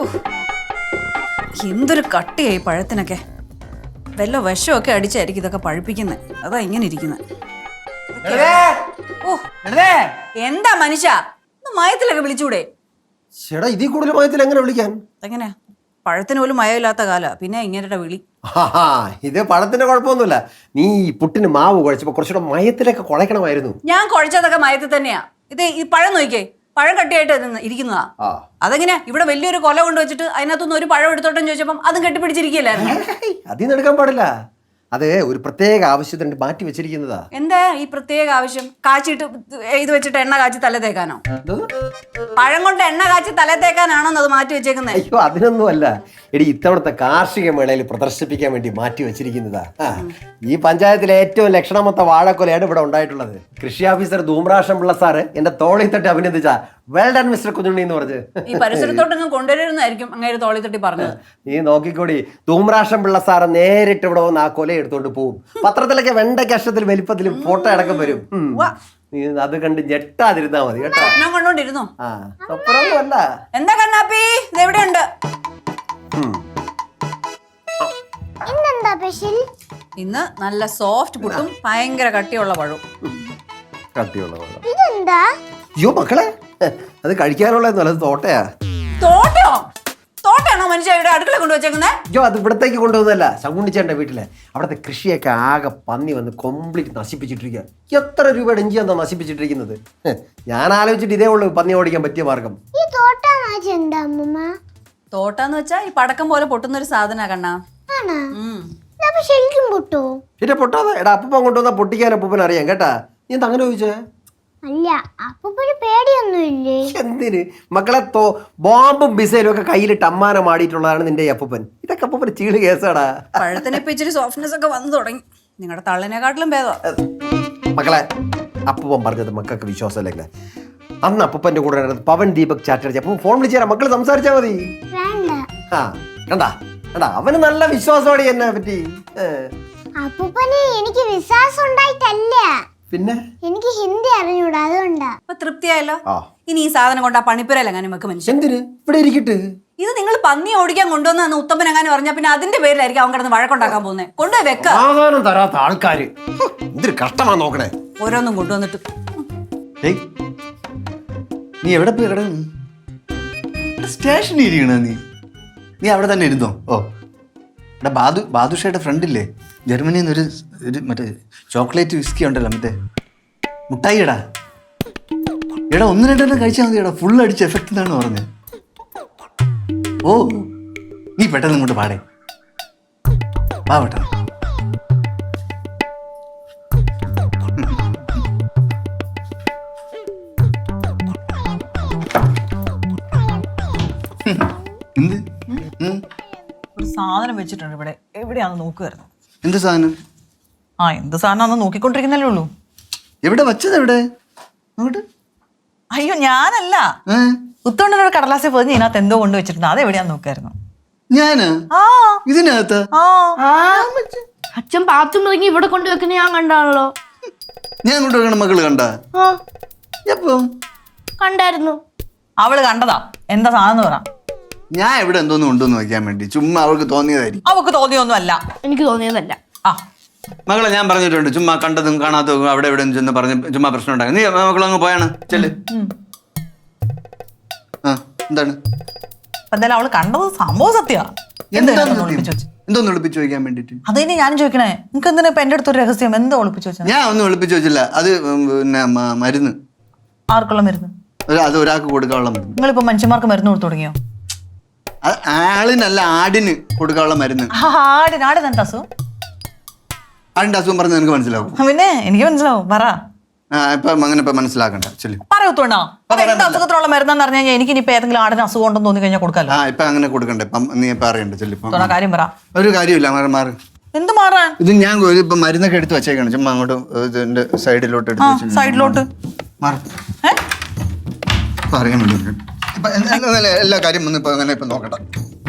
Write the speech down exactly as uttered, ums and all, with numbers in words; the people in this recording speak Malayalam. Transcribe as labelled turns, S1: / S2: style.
S1: എന്തൊരു കട്ടിയായി പഴത്തിനൊക്കെ. വല്ല വിഷമൊക്കെ അടിച്ചായിരിക്കും ഇതൊക്കെ പഴുപ്പിക്കുന്നത്. അതാ ഇങ്ങനെ ഇരിക്കുന്നത്. ഓ എന്താ മനുഷ്യ, മയത്തിലൊക്കെ വിളിച്ചൂടെ?
S2: ചേട്ടാ ഇതിൽ കൂടുതൽ മയത്തിൽ എങ്ങനെ വിളിക്കാൻ?
S1: എങ്ങനെ പഴത്തിന് പോലും മയമില്ലാത്ത കാല, പിന്നെ ഇങ്ങനെ വിളി.
S2: ഇത് പഴത്തിന്റെ കുഴപ്പമൊന്നുമില്ല. നീ പുട്ടിന് മാവ് കുഴച്ചപ്പോ കുറച്ചുകൂടെ മയത്തിലൊക്കെ കുഴക്കണമായിരുന്നു.
S1: ഞാൻ കുഴച്ചതൊക്കെ മയത്തിൽ തന്നെയാ. ഇത് ഈ പഴം നോക്കിയേ, പഴം കട്ടിയായിട്ട് ഇരിക്കുന്നതാ. അതെങ്ങനെയാ ഇവിടെ വലിയൊരു കൊല കൊണ്ടുവച്ചിട്ട് അതിനകത്തുനിന്ന് ഒരു പഴം എടുത്തോട്ടെന്ന് ചോദിച്ചപ്പോ അതും കെട്ടിപ്പിടിച്ചിരിക്കുകയല്ലായിരുന്നു.
S2: അതിന്ന് എടുക്കാൻ പാടില്ല. അത് ഒരു പ്രത്യേക ആവശ്യത്തിന് മാറ്റി വെച്ചിരിക്കുന്നതാ.
S1: എന്താ ഈ പ്രത്യേക ആവശ്യം? കാച്ചിട്ട് ഇത് വെച്ചിട്ട് എണ്ണ കാച്ചി തല തേക്കാനോ? പഴം കൊണ്ട് എണ്ണ കാച്ചി തല തേക്കാനാണോ അത് മാറ്റി വെച്ചേക്കുന്നത്?
S2: അയ്യോ അതിനൊന്നും അല്ല എടി, ഇത്തവണത്തെ കാർഷിക മേളയിൽ പ്രദർശിപ്പിക്കാൻ വേണ്ടി മാറ്റി വെച്ചിരിക്കുന്നതാ. ഈ പഞ്ചായത്തിലെ ഏറ്റവും ലക്ഷണമൊത്ത വാഴക്കൊലയാണ് ഇവിടെ ഉണ്ടായിട്ടുള്ളത്. കൃഷി ഓഫീസർ ധൂമ്രാഷം പിള്ള സാറ് എന്റെ തോളി തട്ടി അഭിനന്ദിച്ച വെൽ ഡൺ മിസ്റ്റർ കുഞ്ഞുണ്ണി എന്ന് പറഞ്ഞ്
S1: ഈ പരിസരത്തോട്ടൊന്നും കൊണ്ടുവരുന്നതായിരിക്കും അങ്ങനെ തോളി തട്ടി പറഞ്ഞത്.
S2: നീ നോക്കിക്കോടി, ധൂമ്രാഷം പിള്ള സാറ് നേരിട്ട് ഇവിടെ വന്ന് ആ കൊല എടുത്തോണ്ട് പോവും. പത്രത്തിലൊക്കെ വെണ്ടയ്ക്ക് അക്ഷരത്തിൽ വലിപ്പത്തിലും ഫോട്ടോ അടക്കം വരും. നീ അത് കണ്ട് ഞെട്ടാതിരുന്നാ മതി കേട്ടോ.
S1: ഞാൻ കണ്ടോണ്ടിരുന്നു.
S2: ആ സ്വപ്നമൊന്നും അല്ല.
S1: എന്താ കണ്ണാപ്പി ഇതെവിടെയുണ്ട്? ഇന്ന് നല്ല സോഫ്റ്റ് പുട്ടും ഭയങ്കര കട്ടിയുള്ള പഴവും.
S2: കട്ടിയുള്ള പഴം ഇതെന്താ? അയ്യോ മക്കളെ, അത് കഴിക്കാനുള്ളതെന്നല്ല, അത് തോട്ടയാ.
S1: തോട്ടയോ? തോട്ടയാണോ മനുഷ്യ ഇവിടെ അടുക്കള കൊണ്ടുവച്ചേക്കുന്നത്?
S2: അയ്യോ അത് ഇവിടത്തേക്ക് കൊണ്ടുവന്നല്ല, ശകുണ്ണിച്ചേട്ടൻ്റെ വീട്ടിലെ അവിടുത്തെ കൃഷിയൊക്കെ ആകെ പന്നി വന്ന് കംപ്ലീറ്റ് നശിപ്പിച്ചിട്ടിരിക്കുക. എത്ര രൂപയുടെ ഇഞ്ചി എന്താ നശിപ്പിച്ചിട്ടിരിക്കുന്നത്? ഞാൻ ആലോചിച്ചിട്ട് ഇതേ ഉള്ളൂ പന്നി ഓടിക്കാൻ പറ്റിയ മാർഗം.
S1: തോട്ടാന്ന് വെച്ചാ ഈ പടക്കം പോലെ പൊട്ടുന്ന ഒരു സാധന കണ്ണാ.
S2: പിന്നെ പൊട്ടാതെ എടാ അപ്പൂപ്പൻ കൊണ്ടുവന്നാ പൊട്ടിക്കാൻ അപ്പൂപ്പൻ അറിയാം കേട്ടാ. നീ എന്താ അങ്ങനെ ചോദിച്ചേ?
S3: അല്ല അപ്പൂപ്പന് പേടിയൊന്നുമില്ലേ?
S2: എന്തിന് മക്കളെ, തോ ബോംബും മിസൈലും ഒക്കെ കയ്യിലിട്ട് അമ്മാനം ആടിയിട്ടുള്ളതാണ് നിന്റെ അപ്പൂപ്പൻ. ഇതൊക്കെ അപ്പൂപ്പൻ ചീള് കേസാടാ.
S1: പഴത്തിനെ ഇപ്പൊ ഇച്ചിരി സോഫ്റ്റ്നെസ് ഒക്കെ വന്നു തുടങ്ങി. നിങ്ങളുടെ തള്ളിനെക്കാട്ടിലും ഭേദം.
S2: മക്കളെ, അപ്പൂപ്പൻ പറഞ്ഞത് മക്കൾക്ക് വിശ്വാസമല്ലേ? അന്ന് അപ്പൂപ്പന്റെ കൂടെ പവൻ ദീപക് ചാറ്റർജി അപ്പൊ ഫോൺ വിളിച്ചു തരാം, മക്കള് സംസാരിച്ചാ മതി. ആ കണ്ടാ കണ്ടാ അവന് നല്ല വിശ്വാസമാണ് എന്നെ പറ്റി.
S3: അപ്പൂപ്പന് എനിക്ക് വിശ്വാസം ഉണ്ടായിട്ടല്ല,
S2: പിന്നെ
S3: എനിക്ക് ഹിന്ദി അറിഞ്ഞൂടാ, അതുകൊണ്ടാ.
S1: അപ്പൊ തൃപ്തിയായല്ലോ. ഇനി ഈ സാധനം കൊണ്ട് ആ പണിപ്പുരയിലെങ്ങനെ നമുക്ക് മനുഷ്യൻ?
S2: എന്തിന് ഇവിടെ ഇരിക്കട്ടെ?
S1: ഇത് നിങ്ങൾ പന്നി ഓടിക്കാൻ കൊണ്ടുവന്നു ഉത്തമൻ എങ്ങനെ പറഞ്ഞാ പിന്നെ അതിന്റെ പേരിലായിരിക്കും അവൻ കിടന്ന് വഴക്കുണ്ടാക്കാൻ പോകുന്നത്. കൊണ്ടുപോയി വെക്ക.
S2: സാധാരണ തരാത്ത ആൾക്കാര് എന്തൊരു കഷ്ടമാ നോക്കണേ.
S1: ഓരോന്നും കൊണ്ടുവന്നിട്ട്.
S4: നീ എവിടെ പോയി കിടന്നു? സ്റ്റേഷനിൽ ഇരിക്കണ നീ നീ അവിടെ തന്നെ ഇരുന്നോ? ഓ എടാ ബാദു ബാദുഷയുടെ ഫ്രണ്ടില്ലേ ജർമ്മനിയിൽ നിന്ന് ഒരു ഒരു മറ്റേ ചോക്ലേറ്റ് വിസ്കി ഉണ്ടല്ലോ, മറ്റേ മുട്ടായി എടാ എടാ ഒന്ന് രണ്ടെണ്ണം കഴിച്ചാൽ മതി എടാ, ഫുൾ അടിച്ച് എഫക്റ്റ് എന്നാണ് പറഞ്ഞത്. ഓ നീ പെട്ടെന്ന് ഇങ്ങോട്ട് പാടേ, വാ പെട്ടെന്ന്. എന്ത്
S5: ഒരു സാധനം വെച്ചിട്ടുണ്ട് ഇവിടെ, എവിടെയാന്ന് നോക്കുവായിരുന്നു.
S4: എന്ത് സാധനം?
S5: ആ എന്ത് സാധനം നോക്കിക്കൊണ്ടിരിക്കുന്നല്ലേ ഉള്ളൂ.
S4: എവിടെ വച്ചത്? എവിടെ?
S5: അയ്യോ ഞാനല്ല, ഉത്തോണ്ടൊരു കടലാസിൽ പോയി ഇതിനകത്ത് എന്തോ കൊണ്ട് വെച്ചിട്ടുണ്ട്, അത് എവിടെയാന്ന് നോക്കായിരുന്നു.
S4: ഞാന്
S5: ആ
S4: ഇതിനകത്ത്
S3: അച്ഛൻ പാത്തും ഇറങ്ങി ഇവിടെ കൊണ്ടുവെക്കുന്ന ഞാൻ കണ്ടാണല്ലോ.
S4: ഞാൻ കൊണ്ടുവെക്കണ മകള് കണ്ട? എപ്പോ
S3: കണ്ടായിരുന്നു?
S5: അവള് കണ്ടതാ. എന്താ സാധനം പറ.
S4: ഞാൻ ഇവിടെ എന്തോന്നും ഉണ്ടോന്ന് നോക്കാൻ വേണ്ടി ചുമ്മാ അവൾക്ക് തോന്നിയതായിരിക്കും.
S5: അവക്ക് തോന്നിയൊന്നും അല്ല.
S3: എനിക്ക് തോന്നിയതല്ല.
S5: ആ
S4: മകളെ ഞാൻ പറഞ്ഞിട്ടുണ്ട്, ചുമ്മാ കണ്ടതും കാണാത്തതും അവിടെ എവിടെ ചെന്ന് പറഞ്ഞ് ചുമ്മാ പ്രശ്നം ഉണ്ടാകും. നീ മകളങ്ങ് പോയാണ് ചെല്ല്. ആ എന്താണ്?
S5: എന്തായാലും അവള് കണ്ടത് സംഭവം സത്യമാ.
S4: എന്തോന്ന് ഒളിപ്പിച്ചു വെക്കാൻ വേണ്ടിട്ട്?
S5: അതിന് ഞാൻ ചോദിക്കണേ, നിനക്ക് എന്തിനാ ഇപ്പൊ എന്റെ അടുത്തൊരു രഹസ്യം? എന്തോ ഒളിപ്പിച്ചു വെച്ചാൽ?
S4: ഞാൻ ഒന്നും ഒളിപ്പിച്ചു വെച്ചില്ല. അത് പിന്നെ മരുന്ന്.
S5: ആർക്കുള്ള മരുന്ന്?
S4: അത് ഒരാൾക്ക് കൊടുക്കാനുള്ള മരുന്ന്.
S5: നിങ്ങളിപ്പോ മനുഷ്യന്മാർക്ക് മരുന്ന് കൊടുത്തു തുടങ്ങിയോ?
S4: ആളിനല്ല, ആടിന് കൊടുക്കാനുള്ള മരുന്ന്.
S5: ആടിന്? ആടിന് എന്താ അസുഖം?
S4: ആടിന്റെ അസുഖം പറഞ്ഞ് നിനക്ക് മനസ്സിലാവും?
S5: പിന്നെ എനിക്ക് മനസ്സിലാവും, പറ.
S4: ഇപ്പൊ അങ്ങനെ ഇപ്പൊ മനസ്സിലാക്കണ്ട. ചെല്ലു.
S5: പറയത്തോണ്ടാ എന്താ അസുഖത്തിനുള്ള മരുന്നെന്ന് പറഞ്ഞു കഴിഞ്ഞാൽ എനിക്ക് ഇനിയിപ്പോ ഏതെങ്കിലും ആടിന് അസുഖം ഉണ്ടെന്ന് തോന്നി കഴിഞ്ഞാൽ കൊടുക്കാലോ.
S4: ആ ഇപ്പൊ അങ്ങനെ കൊടുക്കണ്ടേ? നീ ഇപ്പൊ അറിയണ്ട. ചെല്ലിപ്പോ
S5: കാര്യം പറ.
S4: ഒരു കാര്യമില്ല, മാറി.
S5: എന്ത് മാറാൻ?
S4: ഇത് ഞാൻ ഇപ്പൊ മരുന്നൊക്കെ എടുത്ത് വെച്ചേക്കാണ്, ചുമ്മാ അങ്ങോട്ട് ഇതിന്റെ സൈഡിലോട്ട് എടുത്ത് വെച്ചു.
S5: സൈഡിലോട്ട്
S4: മാറി അറിയാൻ വേണ്ടി എല്ലാ കാര്യം ഒന്നും ഇപ്പൊ അങ്ങനെ ഇപ്പൊ നോക്കട്ടെ.